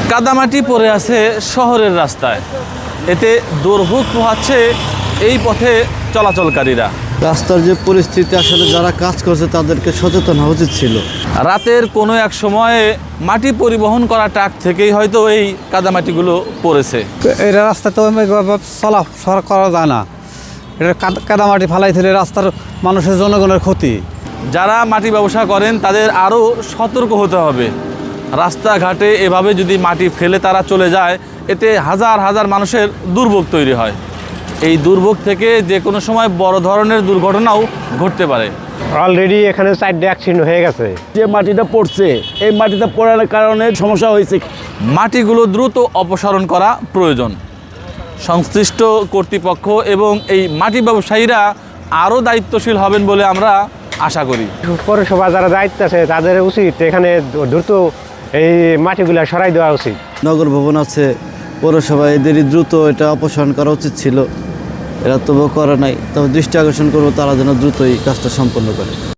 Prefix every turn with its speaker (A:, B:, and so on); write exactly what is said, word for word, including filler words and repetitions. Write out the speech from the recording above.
A: কাদামাটি পড়ে আছে শহরের রাস্তায়, এতে দুর্ভোগ পোহাচ্ছে এই পথে চলাচলকারীরা।
B: রাস্তার যে পরিস্থিতি, আসলে যারা কাজ করছে তাদেরকে সচেতন হওয়া উচিত ছিল।
A: রাতের কোনো এক সময়ে মাটি পরিবহন করা ট্রাক থেকেই হয়তো এই কাদামাটিগুলো পড়েছে।
C: এই রাস্তা তো চলাফেরা করা যায় না, এটা কাদামাটি ফালাই দিলে রাস্তার মানুষের জনগণের ক্ষতি।
A: যারা মাটি ব্যবসা করেন তাদের আরও সতর্ক হতে হবে। রাস্তাঘাটে এভাবে যদি মাটি ফেলে তারা চলে যায়, এতে হাজার হাজার মানুষের দুর্ভোগ তৈরি হয়। এই দুর্ভোগ থেকে যে কোনো সময় বড় ধরনের দুর্ঘটনাও ঘটতে পারে।
D: অলরেডি এখানে চারটে অ্যাক্সিডেন্ট হয়ে গেছে।
E: যে মাটিটা পড়ছে, এই মাটিটা পড়ার কারণে সমস্যা হয়েছে।
A: মাটিগুলো দ্রুত অপসারণ করা প্রয়োজন। সংশ্লিষ্ট কর্তৃপক্ষ এবং এই মাটি ব্যবসায়ীরা আরও দায়িত্বশীল হবেন বলে আমরা আশা করি।
D: পৌরসভা যারা দায়িত্ব আছে তাদের উচিত এখানে দ্রুত এই মাটিগুলা সরাই দেওয়া উচিত।
B: নগর ভবন আছে, পৌরসভা, এদেরই দ্রুত এটা অপসারণ করা উচিত ছিল। এরা তবুও করে নাই। তবে দৃষ্টি আকর্ষণ করবো তারা যেন দ্রুত এই কাজটা সম্পন্ন করে।